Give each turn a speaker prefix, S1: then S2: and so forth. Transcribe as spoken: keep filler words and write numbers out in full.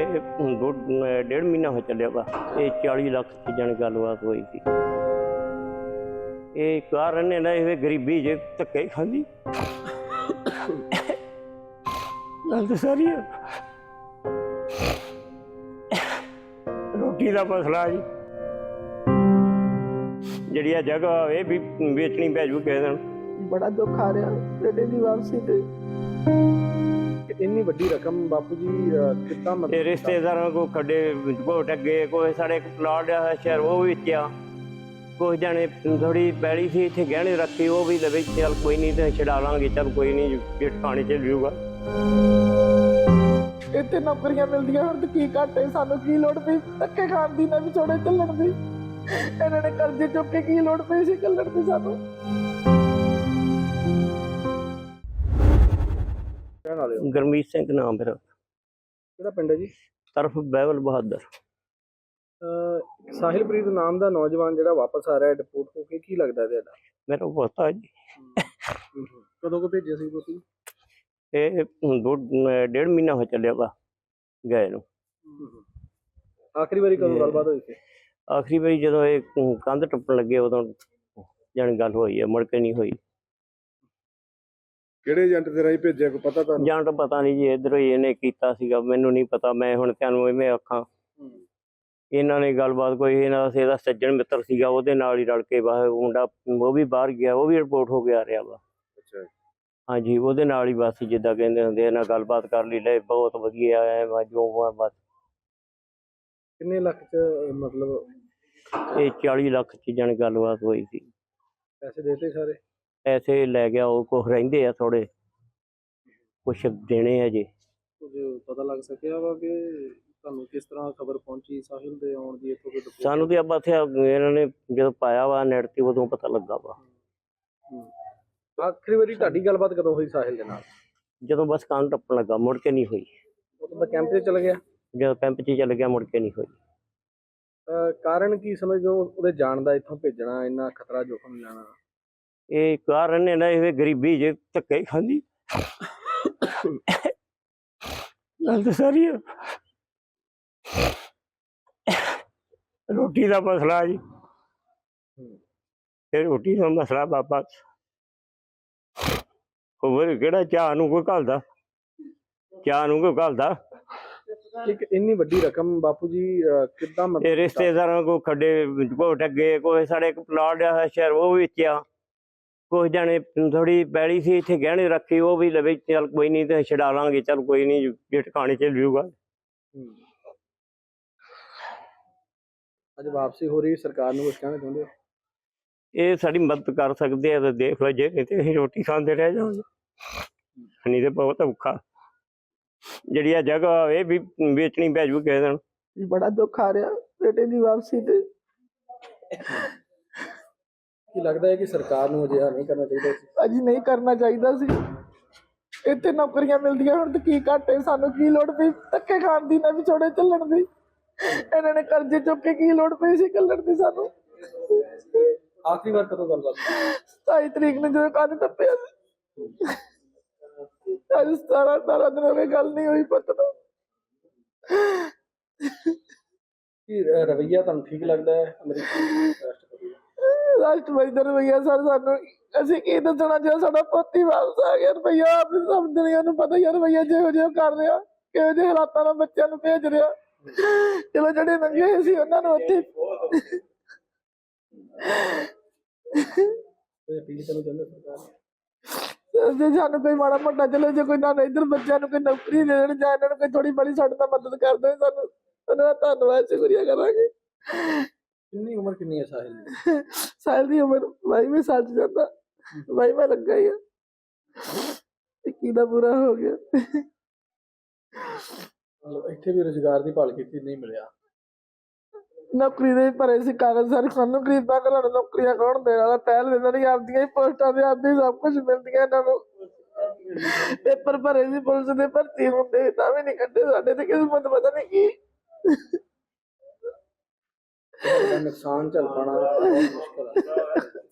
S1: ਇਹ ਦੋ ਡੇਢ ਮਹੀਨਾ ਹੋ ਚੱਲਿਆ ਵਾ। ਇਹ ਚਾਲੀ ਲੱਖ ਦੀ ਜਾਣੀ ਗੱਲਬਾਤ ਹੋਈ ਸੀ। ਇਹ ਕਾਰਨ ਇਹਦਾ ਇਹ ਗਰੀਬੀ ਜੇ ਧੱਕੇ ਖਾਂਦੀ ਗੱਲ ਤਾਂ ਸਾਰੀ ਆ। ਰੋਟੀ ਦਾ ਮਸਲਾ ਜੀ, ਜਿਹੜੀ ਆ ਜਗ੍ਹਾ ਇਹ ਵੀ ਵੇਚਣੀ ਪੈ ਜੂ ਕਿਸੇ ਦਿਨ।
S2: ਬੜਾ ਦੁੱਖ ਆ ਰਿਹਾ ਬੇਟੇ ਦੀ ਵਾਪਸੀ ਤੇ। ਇੰਨੀ ਵੱਡੀ ਰਕਮ ਬਾਪੂ ਜੀ ਕਿੱਦਾਂ ਮਤਲਬ
S1: ਇਹ ਰਿਸ਼ਤੇਦਾਰਾਂ ਕੋ ਖੱਡੇ ਘੋਟ ਅੱਗੇ ਕੋਈ ਸਾਡੇ ਇੱਕ ਪਲਾਟ ਆ ਸ਼ਹਿਰ ਉਹ ਵੇਚਿਆ, ਕੁਝ ਜਾਣੇ ਥੋੜੀ ਪੈਲੀ ਸੀ ਇੱਥੇ ਗਹਿਣੇ ਰੱਖੀ ਉਹ ਵੀ ਲਵੇ ਚੱਲ ਕੋਈ ਨਹੀਂ ਤੇ ਛਡਾ ਲਾਂਗੇ, ਚੱਲ ਕੋਈ ਨਹੀਂ ਪੇਟ ਖਾਣੇ ਚੱਲ ਜੂਗਾ।
S2: ਇੱਥੇ ਨੌਕਰੀਆਂ ਮਿਲਦੀਆਂ ਹੁਣ ਤੇ ਕੀ ਘਾਟੇ, ਸਾਨੂੰ ਕੀ ਲੋੜ ਪਈ ਧੱਕੇ ਖਾਣ ਦੀ ਨਾ ਵਿਛੋੜੇ ਚੱਲਣ ਦੀ। ਇਹਨਾਂ ਨੇ ਕਰਜ਼ੇ ਚੁੱਕ ਕੇ ਕੀ ਲੋੜ ਪਈ ਸੀ ਚੱਲਣ ਦੀ ਸਾਨੂੰ।
S1: ਗੁਰਮੀਤ ਸਿੰਘ ਨਾਮ ਮੇਰਾ।
S2: ਕਿਹੜਾ ਪਿੰਡ ਹੈ ਜੀ?
S1: ਤਰਫ ਬਹਿਬਲ ਬਹਾਦਰ।
S2: ਸਾਹਿਲਪ੍ਰੀਤ ਨਾਮ ਦਾ ਨੌਜਵਾਨ ਜਿਹੜਾ ਵਾਪਸ ਆ ਰਿਹਾ ਡਿਪੋਰਟ ਹੋ ਕੇ, ਕੀ ਲੱਗਦਾ ਤੁਹਾਡਾ?
S1: ਮੇਰਾ ਪੋਤਾ ਜੀ।
S2: ਕਦੋਂ ਕੋ ਭੇਜਿਆ ਸੀ ਤੁਸੀਂ?
S1: ਇਹ ਦੋ ਡੇਢ ਮਹੀਨਾ ਹੋ ਚੱਲਿਆ ਵਾ ਗਏ ਨੂੰ।
S2: ਆਖਰੀ ਵਾਰੀ ਕਦੋਂ ਗੱਲਬਾਤ ਹੋਈ ਸੀ?
S1: ਆਖਰੀ ਵਾਰੀ ਜਦੋਂ ਇਹ ਕੰਧ ਟੱਪਣ ਲੱਗੇ ਉਦੋਂ ਜਾਣੀ ਗੱਲ ਹੋਈ ਹੈ, ਮੁੜ ਕੇ ਨਹੀਂ ਹੋਈ।
S2: ਕਿਹੜੇ ਏਜੰਟ ਦੇ ਰਾਹੀਂ ਭੇਜਿਆ ਕੋਈ ਪਤਾ ਤੁਹਾਨੂੰ?
S1: ਏਜੰਟ ਪਤਾ ਨਹੀਂ ਜੀ, ਇੱਧਰੋਂ ਹੀ ਇਹਨੇ ਕੀਤਾ ਸੀਗਾ, ਮੈਨੂੰ ਨਹੀਂ ਪਤਾ। ਮੈਂ ਹੁਣ ਤੁਹਾਨੂੰ ਇਵੇਂ ਆਖਾਂ, ਇਹਨਾਂ ਨੇ ਗੱਲਬਾਤ ਕੋਈ ਇਹਨਾਂ ਦਾ ਇਹਦਾ ਸੱਜਣ ਮਿੱਤਰ ਸੀਗਾ, ਉਹਦੇ ਨਾਲ ਹੀ ਰਲ ਕੇ ਬਾਹਰ ਮੁੰਡਾ ਉਹ ਵੀ ਬਾਹਰ ਗਿਆ, ਉਹ ਵੀ ਰਿਪੋਰਟ ਹੋ ਕੇ ਆ ਰਿਹਾ ਵਾ।
S2: ਅੱਛਾ
S1: ਹਾਂਜੀ, ਉਹਦੇ ਨਾਲ ਹੀ ਬਸ ਜਿੱਦਾਂ ਕਹਿੰਦੇ ਹੁੰਦੇ ਇਹਨਾਂ ਗੱਲਬਾਤ ਕਰ ਲਈ, ਲੈ ਬਹੁਤ ਵਧੀਆ ਹੈ ਜੋ ਬਸ।
S2: ਕਿੰਨੇ ਲੱਖ ਚ ਮਤਲਬ?
S1: ਇਹ ਚਾਲੀ ਲੱਖ ਚ ਜਾਣੀ ਗੱਲਬਾਤ ਹੋਈ ਸੀ।
S2: ਪੈਸੇ ਦੇਤੇ ਸਾਰੇ?
S1: ਪੈਸੇ ਲੈ ਗਿਆ ਉਹ, ਕੁਛ ਰਹਿੰਦੇ ਆ ਥੋੜੇ, ਕੁਛ ਦੇਣੇ ਆ ਜੀ।
S2: ਕੁਝ ਪਤਾ ਲੱਗ ਸਕਿਆ ਵਾ ਕਿ ਤੁਹਾਨੂੰ ਕਿਸ ਤਰ੍ਹਾਂ ਖਬਰ ਪਹੁੰਚੀ ਸਾਹਿਲ ਦੇ ਆਉਣ ਦੀ? ਇੱਥੋਂ ਕੋਈ
S1: ਸਾਨੂੰ ਤੇ ਆਪਾਂ ਇੱਥੇ ਇਹਨਾਂ ਨੇ ਜਦੋਂ ਪਾਇਆ ਵਾ ਨੈਟ ਤੇ ਉਦੋਂ ਪਤਾ ਲੱਗਾ ਵਾ।
S2: ਆਖਰੀ ਵਾਰੀ ਤੁਹਾਡੀ ਗੱਲਬਾਤ ਕਦੋਂ ਹੋਈ ਸਾਹਿਲ ਦੇ ਨਾਲ?
S1: ਜਦੋਂ ਬਸ ਕੰਨ ਟੱਪਣ ਲੱਗਾ, ਮੁੜ ਕੇ ਨਹੀਂ ਹੋਈ।
S2: ਉਦੋਂ ਮੈਂ ਕੈਂਪ ਤੇ ਚਲ ਗਿਆ?
S1: ਜਦੋਂ ਕੈਂਪ 'ਚ ਚੱਲ ਗਿਆ ਮੁੜ ਕੇ ਨਹੀਂ ਹੋਈ।
S2: ਕਾਰਨ ਕੀ ਸਮਝਦੇ ਹੋ ਉਹਦੇ ਜਾਣ ਦਾ, ਇੱਥੋਂ ਭੇਜਣਾ, ਇੰਨਾ ਖਤਰਾ ਜੋਖਮ ਲੈਣਾ?
S1: ਇਹ ਕਾਰਨ ਇਹਦਾ ਇਹ ਗਰੀਬੀ ਜੇ ਧੱਕੇ ਖਾਂਦੀ ਗੱਲ ਤਾਂ ਸਾਰੀ ਆ। ਰੋਟੀ ਦਾ ਮਸਲਾ ਜੀ, ਇਹ ਰੋਟੀ ਦਾ ਮਸਲਾ ਬਾਬਾ। ਹੋਰ ਕਿਹੜਾ ਚਾਹ ਨੂੰ ਕੋਈ ਘੱਲਦਾ, ਚਾਹ ਨੂੰ ਕੋਈ ਘੱਲਦਾ।
S2: ਇੱਕ ਇੰਨੀ ਵੱਡੀ ਰਕਮ ਬਾਪੂ ਜੀ ਕਿੱਦਾਂ
S1: ਮਤਲਬ? ਇਹ ਰਿਸ਼ਤੇਦਾਰਾਂ ਕੋ ਖੱਡੇ ਘੋਟ ਅੱਗੇ ਕੋਈ ਸਾਡੇ ਇੱਕ ਪਲਾਟ ਆ ਸ਼ਹਿਰ ਉਹ ਵੇਚਿਆ, ਕੁਝ ਜਾਣੇ ਥੋੜੀ ਪੈਲੀ ਸੀ ਇੱਥੇ ਗਹਿਣੇ ਰੱਖੀ ਉਹ ਵੀ ਲਵੇ ਚੱਲ ਕੋਈ ਨਹੀਂ ਤੇ ਛਡਾ ਲਾਂਗੇ, ਚੱਲ ਕੋਈ ਨਹੀਂ ਪੇਟ ਖਾਣੇ ਚੱਲ ਜੂਗਾ।
S2: ਅੱਜ ਵਾਪਸੀ ਹੋ ਰਹੀ, ਸਰਕਾਰ ਨੂੰ ਕੁਝ ਕਹਿਣਾ ਚਾਹੁੰਦੇ ਹੋ?
S1: ਇਹ ਸਾਡੀ ਮਦਦ ਕਰ ਸਕਦੇ ਆ ਤਾਂ ਦੇਖ ਲਓ, ਜੇ ਨਹੀਂ ਤੇ ਅਸੀਂ ਰੋਟੀ ਖਾਂਦੇ ਰਹਿ ਜਾਵਾਂਗੇ, ਨਹੀਂ ਤੇ ਬਹੁਤ ਔਖਾ। ਜਿਹੜੀ ਆ ਜਗ੍ਹਾ ਇਹ ਵੀ ਵੇਚਣੀ ਪੈ ਜੂ ਕਿਸੇ ਦਿਨ।
S2: ਬੜਾ ਦੁੱਖ ਆ ਰਿਹਾ ਬੇਟੇ ਦੀ ਵਾਪਸੀ ਤੇ। ਕੀ ਲੱਗਦਾ ਹੈ ਕਿ ਸਰਕਾਰ ਨੂੰ ਅਜਿਹਾ ਨਹੀਂ ਕਰਨਾ ਚਾਹੀਦਾ ਸੀ? ਅਜੀ ਨਹੀਂ ਕਰਨਾ ਚਾਹੀਦਾ ਸੀ। ਇੱਥੇ ਨੌਕਰੀਆਂ ਮਿਲਦੀਆਂ ਹੁਣ ਤੇ ਕੀ ਘਾਟੇ, ਸਾਨੂੰ ਕੀ ਲੋੜ ਪਈ ਧੱਕੇ ਖਾਣ ਦੀ ਨਾ ਵਿਛੋੜੇ ਚੱਲਣ ਦੀ। ਇਹਨਾਂ ਨੇ ਕਰਜ਼ੇ ਚੁੱਕ ਕੇ ਕੀ ਲੋੜ ਪਈ ਸੀ ਚੱਲਣ ਦੀ ਸਾਨੂੰ। ਆਖਰੀ ਵਾਰ ਕਦੋਂ ਗੱਲਬਾਤ? ਸਤਾਈ ਤਰੀਕ ਨੂੰ ਜਦੋਂ ਕੰਨ ਟੱਪਿਆ ਸੀ। ਅੱਜ ਸਤਾਰਾਂ ਅਠਾਰਾਂ ਦਿਨ ਹੋ ਗਏ ਗੱਲ ਨਹੀਂ ਹੋਈ ਪੁੱਤ ਨੂੰ। ਕੀ ਰਵੱਈਆ ਤੁਹਾਨੂੰ ਠੀਕ ਲੱਗਦਾ ਹੈ ਅਮਰੀਕੀ ਰਾਸ਼ਟਰਪਤੀ ਰਾਸ਼ਟਰਪਤੀ ਦਾ ਰਵੱਈਆ? ਸਰ ਸਾਨੂੰ ਅਸੀਂ ਕੀ ਦੱਸਣਾ ਜੇ ਸਾਡਾ ਪੁੱਤ ਹੀ ਵਾਪਸ ਆ ਗਿਆ। ਰਵੱਈਆ ਆਪ ਸਭ ਦੁਨੀਆ ਨੂੰ ਪਤਾ ਯਾਰ, ਰਵੱਈਆ ਜਿਹੋ ਜਿਹਾ ਕਰ ਰਿਹਾ, ਕਿਹੋ ਜਿਹੇ ਹਾਲਾਤਾਂ ਨਾਲ ਬੱਚਿਆਂ ਨੂੰ ਭੇਜ ਰਿਹਾ। ਚਲੋ ਜਿਹੜੇ ਨੰਗੇ ਸੀ ਉਹਨਾਂ ਨੂੰ ਉੱਥੇ ਜੇ ਸਾਨੂੰ ਕੋਈ ਮਾੜਾ ਮੋਟਾ ਚਲੋ, ਜੇ ਕੋਈ ਨਾ ਇੱਧਰ ਬੱਚਿਆਂ ਨੂੰ ਕੋਈ ਨੌਕਰੀ ਦੇ ਦੇਣ ਜਾਂ ਇਹਨਾਂ ਨੂੰ ਕੋਈ ਥੋੜੀ ਬੜੀ ਸਾਡੇ ਨਾਲ ਮਦਦ ਕਰ ਦੇਣ, ਸਾਨੂੰ ਉਹਨਾਂ ਦਾ ਧੰਨਵਾਦ ਸ਼ੁਕਰੀਆ ਕਰਾਂਗੇ। ਕਿੰਨੀ ਉਮਰ ਕਿੰਨੀ ਹੈ ਸਾਹਿਲ ਦੀ? ਸਾਹਿਲ ਦੀ ਉਮਰ ਬਾਈਵੇਂ ਸਾਲ ਚ ਜਾਂਦਾ, ਬਾਈਵਾਂ ਲੱਗਾ ਹੀ ਆ, ਇੱਕੀ ਦਾ ਪੂਰਾ ਹੋ ਗਿਆ। ਇੱਥੇ ਵੀ ਰੁਜ਼ਗਾਰ ਦੀ ਭਾਲ ਕੀਤੀ, ਨਹੀਂ ਮਿਲਿਆ। ਨੌਕਰੀ ਦੇ ਭਰੇ ਸੀ ਕਾਗਜ਼ ਸਾਰੇ, ਸਾਨੂੰ ਗਰੀਬਾਂ ਘਰਾਂ ਨੌਕਰੀਆਂ ਕੌਣ ਦੇਣ ਵਾਲਾ? ਪਹਿਲ ਇਹਨਾਂ ਦੀ ਆਪਦੀਆਂ ਹੀ ਪੋਸਟਾਂ ਤੇ ਆਪਦੀ ਸਭ ਕੁਛ ਮਿਲਦੀਆਂ ਇਹਨਾਂ ਨੂੰ। ਪੇਪਰ ਭਰੇ ਸੀ ਪੁਲਿਸ ਦੇ, ਭਰਤੀ ਹੁੰਦੇ ਤਾਂ ਵੀ ਨਹੀਂ ਕੱਢੇ। ਸਾਡੇ ਤੇ ਕਿਸਮਤ ਪਤਾ ਨਹੀਂ ਕੀ ਨੁਕਸਾਨ ਝੱਲ ਪਾਉਣਾ ਬਹੁਤ ਮੁਸ਼ਕਿਲ ਹੈ।